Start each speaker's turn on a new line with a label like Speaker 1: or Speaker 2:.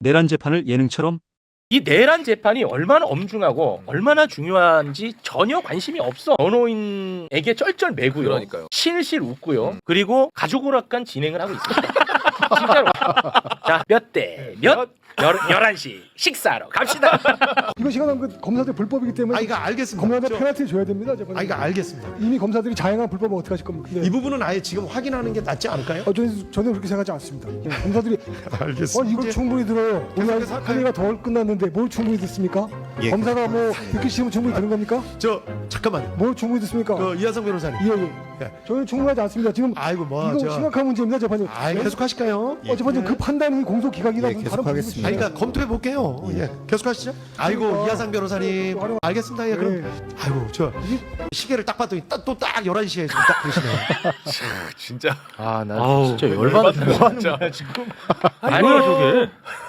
Speaker 1: 내란 재판을 예능처럼
Speaker 2: 이 내란 재판이 얼마나 엄중하고 얼마나 중요한지 전혀 관심이 없어. 변호인에게 쩔쩔매고요.
Speaker 3: 그러니까요.
Speaker 2: 실실 웃고요. 그리고 가족 오락관 진행을 하고 있습니다. 진짜로. 자, 몇 대 몇? 11시 식사하러 갑시다.
Speaker 4: 이거 시간 그 검사들 불법이기 때문에
Speaker 5: 이거 알겠습니다.
Speaker 4: 검사들 페널티 줘야 됩니다. 재판에.
Speaker 5: 이거 알겠습니다.
Speaker 4: 이미 검사들이 자행한 불법은 어떻게 하실 겁니까? 네.
Speaker 5: 이 부분은 아예 지금 확인하는 게 낫지 않을까요?
Speaker 4: 저는 그렇게 생각하지 않습니다. 검사들이
Speaker 5: 알겠습니다.
Speaker 4: 이걸 충분히 들어요. 오늘
Speaker 5: 계속해서 할까요?
Speaker 4: 한의가 덜 끝났는데 뭘 충분히 듣습니까?
Speaker 5: 예.
Speaker 4: 검사가 뭐 듣기 싫으면 충분히 듣는 겁니까?
Speaker 5: 잠깐만.
Speaker 4: 뭘 충분히 듣습니까?
Speaker 5: 이하성 변호사님.
Speaker 4: 예.
Speaker 5: 예.
Speaker 4: 저는 충분하지 않습니다. 지금
Speaker 5: 아이고
Speaker 4: 이거 심각한 문제입니다, 재판이.
Speaker 5: 계속 하실까요?
Speaker 4: 재판장 그 판단이 공소 기각이나
Speaker 5: 예,
Speaker 4: 무슨
Speaker 5: 계속
Speaker 4: 다른
Speaker 5: 하겠습니다. 그러니까 검토해 볼게요. 예. 계속 하시죠. 아이고
Speaker 4: 그러니까.
Speaker 5: 이하상 변호사님. 알겠습니다. 예, 그럼.
Speaker 4: 예.
Speaker 5: 아이고 시계를 딱 봤더니 또 딱 11시에 지금 딱 그러시네요.
Speaker 3: 진짜.
Speaker 2: 아, 나
Speaker 1: 아우,
Speaker 2: 진짜 열받는다.
Speaker 3: 진짜.
Speaker 2: 지금.
Speaker 1: 아니야 저게